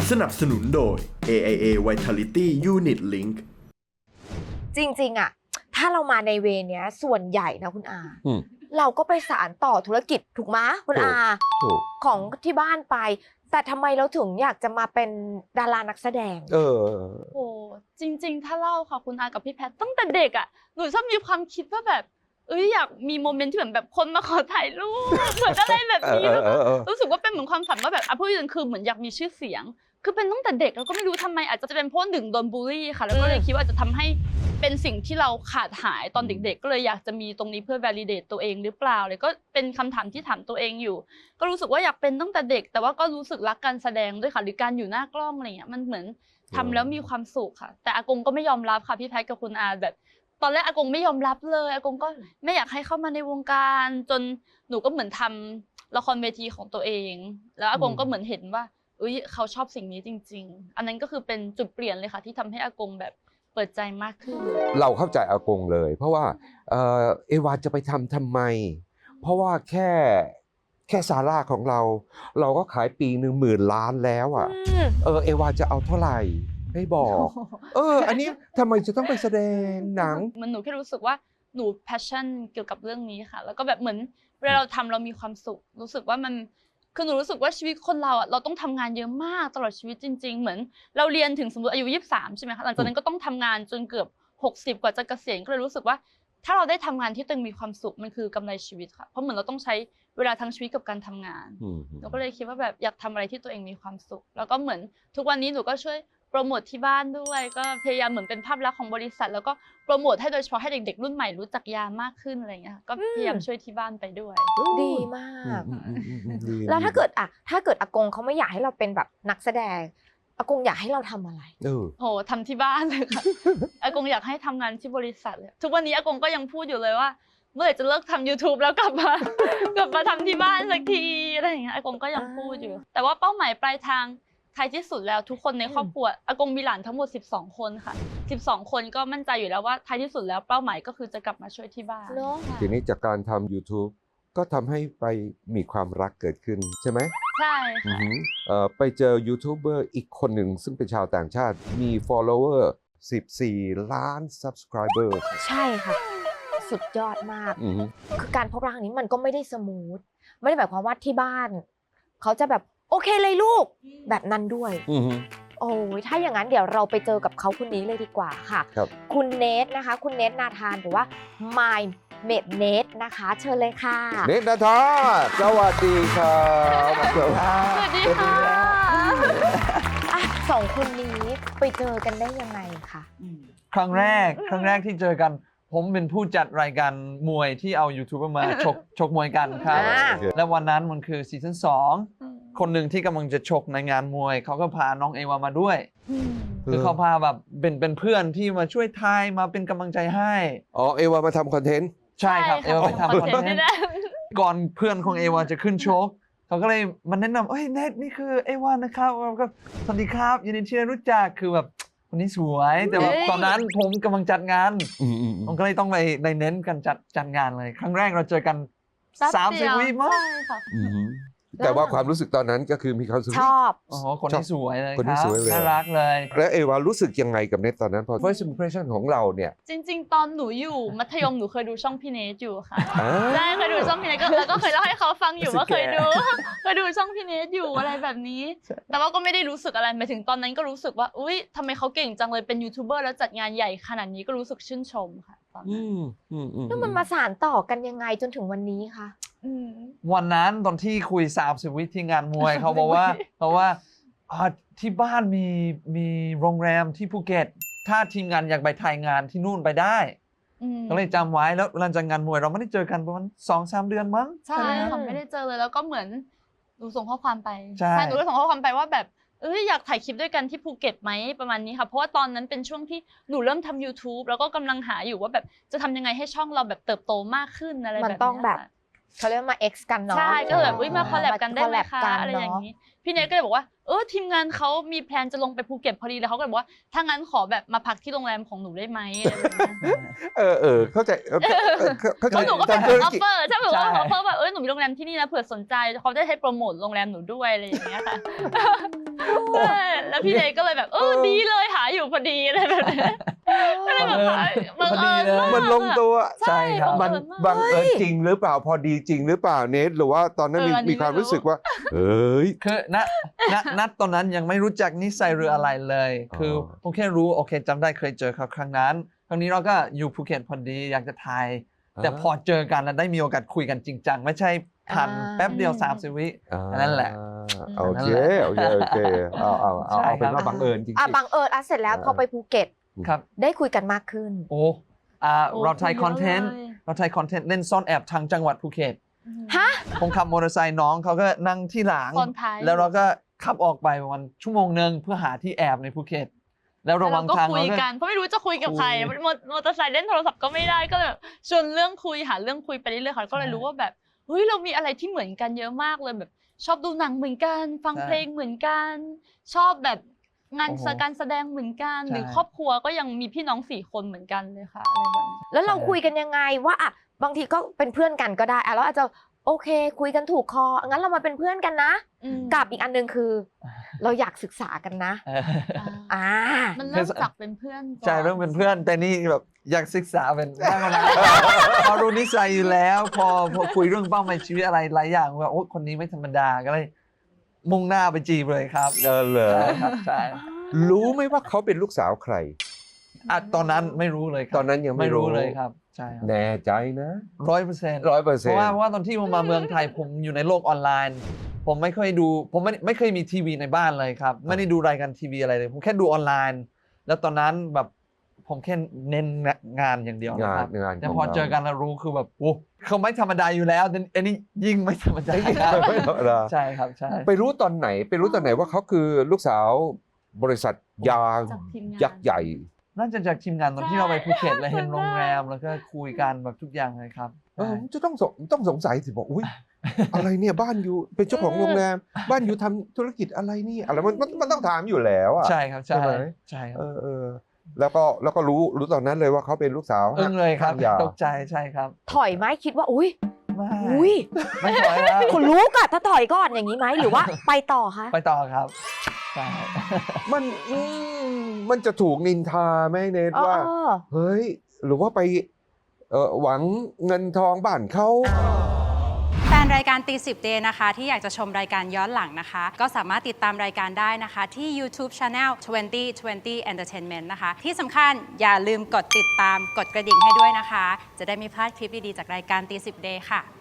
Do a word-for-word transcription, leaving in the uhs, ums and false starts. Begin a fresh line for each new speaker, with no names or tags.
สนับสนุนโดย เอ ไอ เอ Vitality Unit Link
จริงๆอะถ้าเรามาในเวเนี้ยส่วนใหญ่นะคุณอา
อืม
เราก็ไปสานต่อธุรกิจถูกไหมคุณอา
ถูก
ของที่บ้านไป แต่ทำไมเราถึงอยากจะมาเป็นดารานักแสดง
เออ
โอ้จริง ๆ ถ้าเล่าค่ะคุณอากับพี่แพทตั้งแต่เด็กอ่ะหนูชอบมีความคิดว่าแบบเอ้ยอยากมีโมเมนต์ที่เหมือนแบบคนมาขอถ่ายรูปเหมือนอะไรแบบนี้
เออเออเออ
รู้สึกว่าเป็นเหมือนความฝันว่าแบบอ่ะพูดถึงคือเหมือนอยากมีชื่อเสียง คือเป็นตั้งแต่เด็กแล้วก็ไม่รู้ทำไมอาจจะเป็นเพราะหนึ่งโดนบูลลี่ค่ะแล้วก็เลยคิดว่าจะทำให้เป็นสิ่งที่เราขาดหายตอนเด็กๆก็เลยอยากจะมีตรงนี้เพื่อ validate ตัวเองหรือเปล่าเลยก็เป็นคำถามที่ถามตัวเองอยู่ ก็รู้สึกว่าอยากเป็นตั้งแต่เด็ก แต่ว่าก็รู้สึกรักการแสดงด้วยค่ะหรือการอยู่หน้ากล้องอะไรเงี้ยมันเหมือนทำแล้วมีความสุขค่ะแต่อากงก็ไม่ยอมรับค่ะพี่แพทกับคุณอาแบบ ตอนแรกอากงไม่ยอมรับเลยอากงก็ไม่อยากให้เข้ามาในวงการจนหนูก็เหมือนทำละครเวทีของตัวเอง แล้วอากงก็เหมือนเห็นว่าเอ้ยเขาชอบสิ่งนี้จริงๆอันนั้นก็คือเป็นจุดเปลี่ยนเลยค่ะที่ทำให้อากงแบบเปิดใจมากขึ้น
เราเข้าใจอากงเลย เพราะว่าเออเอวาจะไปทำทำไม เพราะว่าแค่แค่ซาร่าของเรา เราก็ขายปีหนึ่งหมื่นล้านแล้วอ่ะ
อืม
เออเอวาจะเอาเท่าไหร่ไม่บอก เออ อันนี้ทำไมจะต้องไปแสดงหนัง
มันหนูแค่รู้สึกว่าหนู passion เกี่ยวกับเรื่องนี้ค่ะ แล้วก็แบบเหมือนเวลาเราทำเรามีความสุข รู้สึกว่ามันคือหนูรู้สึกว่าชีวิตคนเราอ่ะเราต้องทำงานเยอะมากตลอดชีวิตจริง ๆ เหมือนเราเรียนถึงสมมติอายุยี่สิบสามใช่ไหมคะหลังจากนั้นก็ต้องทำงานจนเกือบหกสิบกว่าจะเกษียณก็เลยรู้สึกว่าถ้าเราได้ทำงานที่ตัวเองมีความสุขมันคือกำไรชีวิตค่ะเพราะเหมือนเราต้องใช้เวลาทั้งชีวิตกับการทำงาน
อืม
หนูก็เลยคิดว่าแบบอยากทำอะไรที่ตัวเองมีความสุข แล้วก็เหมือนทุกวันนี้หนูก็ช่วยโปรโมทที่บ้านด้วยก็พยายามเหมือนเป็นภาพลักษณ์ของบริษัท แล้วก็โปรโมทให้โดยเฉพาะให้เด็กๆรุ่นใหม่รู้จักยามากขึ้นอะไรอย่างเงี้ยค่ะก็พยายามช่วยที่บ้านไปด้วย
ดีมาก
อืมอืมอืมอืมดี
แล้วถ้าเกิดอะถ้าเกิดอากงเขาไม่อยากให้เราเป็นแบบนักแสดงอากงอยากให้เราทำอะไร
เออ
โหทำที่บ้านเลยค่ะ อากงอยากให้ทำงานที่บริษัทเลยทุกวันนี้อากงก็ยังพูดอยู่เลยว่า เมื่อไหร่จะเลิกทำ YouTube แล้วกลับมา กลับมาทำที่บ้านสักทีอะไรอย่างเงี้ยอากงก็ยังพูดอยู่ แต่ว่าเป้าหมายปลายทางท้ายที่สุดแล้วทุกคนในครอบครัวอากงมีหลานทั้งหมดสิบสองคนค่ะสิบสองคนก็มั่นใจอยู่แล้วว่าท้ายที่สุดแล้วเป้าหมายก็คือจะกลับมาช่วยที่บ้าน
เนอะ
ค่ะ
ทีนี้จากการทำ YouTube ก็ทำให้ไปมีความรักเกิดขึ้นใช่ไหม
ใช่
อือ
ค่ะ
หือเอ่อไปเจอยูทูบเบอร์อีกคนหนึ่งซึ่งเป็นชาวต่างชาติมี follower สิบสี่ล้าน subscriber
ใช่ค่ะ สุดยอดมาก
อือหือ
คือการพบรักนี้มันก็ไม่ได้สมูทไม่ได้หมายความว่าที่บ้าน เขาจะแบบโอเคเลยลูกแบบนั้นด้วย
อือหือ
โอ้ยถ้าอย่างนั้นเดี๋ยวเราไปเจอกับเขาคนนี้เลยดีกว่าค่ะ
ครับ
คุณเนทนะคะ คุณเนทนาธานหรือว่า My m a d n e t นะคะ เชิญเลยค่ะ
เนตนาธาสวัสดีครับสวัสดี
สวัสดีค่ะ
อ่ะสองคนนี้ไปเจอกันได้ยังไงคะ
ครั้งแรกครั้งแรกที่เจอกัน ผมเป็นผู้จัดรายการมวยที่เอายูทูบเบอร์มาชกชกมวยกันครับ
อ่า
และวันนั้นมันคือซีซั่นสองคนหนึ่งที่กำลังจะชกในงานมวย เขาก็พาน้องเอวามาด้วย คือเขาพาแบบเป็นเป็นเพื่อนที่มาช่วยทายมาเป็นกำลังใจให้
อ๋อเอวามาทำคอนเทนต์
ใช่ครับเอวาไปทำคอนเทนต์
ได้
ก่อนเพื่อนของเอวาจะขึ้นชกเขาก็เลยมาแนะนำเอ้ยเนทนี่คือเอวานะครับแล้วก็สวัสดีครับยินดีที่ได้รู้จักคือแบบคนนี้สวยแต่ว่า
เฮ้ย
ตอนนั้นผมกำลังจัดงาน
อืมอืม
ผมก็เลยต้องไปในเน้นกันจัดจัดงานเลย ครั้งแรกเราเจอกัน
แป๊บ
สาม
เดี
สิบ
ยว
วิมั้ง
ใช่ค่ะ
อืมแต่ว่าความรู้สึกตอนนั้นก็คือมีความรู้สึก
ชอบ
โอ้โหคนนี้สวยเลย
คนนี้
ครับ
สวยเลย
น่ารักเลย
แล้วเอวารู้สึกยังไงกับเนตตอนนั้นพอ first impression ของเราเนี่ย
จริง ๆ ตอนหนูอยู่มัธยมหนูเคยดูช่องพี่เนทอยู่ค่ะ
อ่า
ได้เคยดูช่องพี่เนทก็แล้วก็เคยเล่าให้เขาฟังอยู่ว่าเคยดู เคยดูช่องพี่เนทอยู่อะไรแบบนี้ แต่ว่าก็ไม่ได้รู้สึกอะไรหมายถึงตอนนั้นก็รู้สึกว่าอุ๊ยทำไมเขาเก่งจังเลยเป็นยูทูบเบอร์แล้วจัดงานใหญ่ขนาดนี้ก็รู้สึกชื่นชมค่ะตอน
อื
นั้น
มอืมอืม
แล้วมันมาสานต่อกันยังไงจนถึงวันนี้คะ
อืม
วันนั้นตอนที่คุยสามสิบวิที่งานมวย เขาบอกว่าเขาว่าอ่าที่บ้านมีมีโรงแรมที่ภูเก็ต ถ้าทีมงานอยากไปถ่ายงานที่นู่นไปได้
อืม
ก็เลยจำไว้แล้วหลังจากงานมวยเราไม่ได้เจอกันประมาณสองสามเดือนมั้ง
ใช่
ไหม
ค่ะไม่ได้เจอเลยแล้วก็เหมือนหนูส่งข้อความไป
ใช่
หนูก็ส่งข้อความไปว่าแบบเอ้ยอยากถ่ายคลิปด้วยกันที่ภูเก็ตไหมประมาณนี้ค่ะเพราะว่าตอนนั้นเป็นช่วงที่หนูเริ่มทำ YouTube แล้วก็กำลังหาอยู่ว่าแบบจะทำยังไงให้ช่องเราแบบเติบโตมากขึ้นอะไรแบบ
มัน
นี้
ต้องแบบ
ค่ะ
เขาเรียกว่ามา X กันเนาะ
ใช่ก็เลยแบบอุ๊ยมาคอลแลบกันได้ไหม
มา
คะ
collab
อะไรอย่าง
เนะ
นี้พี่เนทก็เลยบอกว่าเออทีมงานเขามีแพลนจะลงไปภูเก็ตพอดีแล้วเขาก็เลยบอกว่าถ้างั้นขอแบบมาพักที่โรงแรมของหนูได้ไหมอะไรแบบนี้
เออเออเข้าใจเออเออเข้า
เพ
ใจ
ราะหนูก็เป็น
ทำธุร
ออฟ
กิจ
เฟอร์ใช่ไหมว่า
ใช่
ออฟเฟอร์แบบเออหนูมีโรงแรมที่นี่นะเผื่อสนใจเขาได้ให้โปรโมทโรงแรมหนูด้วยอะไรอย่างเงี้ยค่ะใช่แล้วพี่เดย์ก็เลยแบบเออดีเลยหาอยู่พอดีอะไรแบบนี้ก็เลยแบบบังเอิญมาก
มันลงตัว
ใช่ครับ
มันบังเอิญจริงหรือเปล่าพอดีจริงหรือเปล่าเนทหรือว่าตอนนั้นมี
เอออันนี้
มีความ
ไม่รู้
รู้สึกว่าเอ้ย
คือณณณตอนนั้นยังไม่รู้จักนิสัยหรืออะไรเลย
อ๋อ
คือผมแค่รู้โอเคจำได้เคยเจอเขาครั้งนั้นครั้งนี้เราก็อยู่ภูเก็ตพอดีอยากจะถ่ายแต่พอเจอกันแล้วได้มีโอกาสคุยกันจริงจังไม่ใช่ผ่าน
อ่า
แป๊บเดียวสามสิบวิ
อ่า
นั่นแหละ
โอเค
นั่นแหละ
โอเคโอเคเอาเอาเอา
ใช่
เอาเป็น
ครับ
ว่าบังเอิญจริง
อ่ะ
ๆ
บังเอิญอ่ะเสร็จแล้ว
เออ
พอไปภูเก็ต
ครับ
ได้คุยกันมากขึ้น
โอ้อ่า
โอ้
เราถ่าย
คุยเยอะ
คอนเทนต์
เลย
เราถ่ายคอนเทนต์เล่นซ่อนแอบทางจังหวัดภูเก็ต
ฮะ
ผมขับมอเตอร์ไซค์น้องเขาก็นั่งที่หลัง
ซ้อนท้าย
แล้วเราก็ขับออกไปประมาณชั่วโมงหนึ่งเพื่อหาที่แอบในภูเก็ตแล้วระห
เรา
ว่าง
ก็
ทาง
คุ
เรา
ย
ก็
กันเพราะไม่รู้จะคุยกับใคร
คุย
มอมอเตอร์ไซค์เล่นโทรศัพท์ก็ไม่ได้ก็เลยแบบชวนเรื่องคุยหาเรื่องคุยไปเรื่อยๆค่ะก็เลยรู้ว่าแบบเฮ้ยเรามีอะไรที่เหมือนกันเยอะมากเลยแบบ ชอบดูหนังเหมือนกัน ฟังเพลงเหมือนกัน ชอบแบบงานการแสดงเหมือนกันหรือครอบครัวก็ยังมีพี่น้องสี่คนเหมือนกันเลยค่ะอะไรแบบนี้
แล้วเราคุยกันยังไงว่าอ่ะบางทีก็เป็นเพื่อนกันก็ได้อ่ะแล้วอาจจะโอเค คุยกันถูกคองั้นเรามาเป็นเพื่อนกันนะ
อืม
กับอีกอันหนึงคือ เราอยากศึกษากันนะ
เออ
อ่า
มันเริ่มจากเป็นเพื่อนก่อน
ใช่เริ่มเป็นเพื่อนแต่นี่แบบอยากศึกษาเป็นได้มาแล้วพอรู้นิสัยอยู่แล้ว พอพอคุยเรื่องเป้าหมายชีวิตอะไรหลายอย่างว่าโอ้คนนี้ไม่ธรรมดาก็เลยมุ่งหน้าไปจีบเลยครับ
เออเหรอ
ใช่ครับใช่
รู้ไหมว่าเขาเป็นลูกสาวใคร
อ่ะตอนนั้นไม่รู้เลยครับ
ตอนนั้นยังไม่
ไม่รู้
รู้
เลยครับใช่ครับ
แน่ใจนะ
ร้อยเปอร์เซ็นต์
ร้อยเปอร์
เพ
เซ็น
ราะ
ต์
ว่าเพราะว่าตอนที่ผมมาเมืองไทยผมอยู่ในโลกออนไลน์ ผมไม่เคยดูผมไม่ไม่เคยมีทีวีในบ้านเลยครับ ไม่ได้ดูรายการทีวีอะไรเลย ผมแค่ดูออนไลน์ แล้วตอนนั้นแบบผมแค่เน้นงานอย่างเดียว
งา
คน รับ
งาน
แต่
ขง
พอเจอกันแล้วรู้คือแบบโอ้เขาไม่ธรรมดาอยู่แล้วแต่อันนี้ยิ่งไม่ธรรมดา
เราไม่ธรรมดา
ใช่ครับใช่
ไปรู้ตอนไหนไปรู้ตอนไหนว่าเขาคือลูกสาวบริษัทยา
จากทีมงาน
ยักษ์ใหญ่
น่าจะจากทีมงานตอนที่เราไปภูเก็ตแล้วเห็น
ใช่
โรงแรมแล้วก็คุยกันแบบทุกอย่างเลยครับ
เออจะต้องสงต้องสงสัยสิบอกอุ้ย อะไรเนี่ยบ้านอยู่เป็นเจ้าของโรงแรม บ้านอยู่ทำธุรกิจอะไรนี่อะไรมันมันมันต้องถามอยู่แล้วอ่ะ
ใช่ครับใช่
ใช่ไหม
ใช่ครับ
เออเออแล้วก็แล้วก็รู้รู้ตอนนั้นเลยว่าเขาเป็นลูกสาว
อึ้งเลยครับ
ห้างยา
ตกใจใช่ครับ
ถอยไหมคิดว่าอุ้ย
ไม่
อุ้ย
ไม่ถอยแล้ว
คนรู้ก่อนถ้าถอยก่อนอย่างนี้ไหมหรือว่าไปต่อคะ
ไปต่อครับใช่
มันอืมมันจะถูกนินทาไหมเนทว่า
อ๋อ
เฮ้ย หรือว่าไปเออหวังเงินทองบ้านเขา
แฟนรายการตีสิบเดย์นะคะที่อยากจะชมรายการย้อนหลังนะคะ ก็สามารถติดตามรายการได้นะคะ ที่ YouTube Channel ยี่สิบ ยี่สิบ Entertainment นะคะ ที่สำคัญอย่าลืมกดติดตามกดกระดิ่งให้ด้วยนะคะ จะได้ไม่พลาดคลิปดี ๆ จากรายการตีสิบเดย์ค่ะ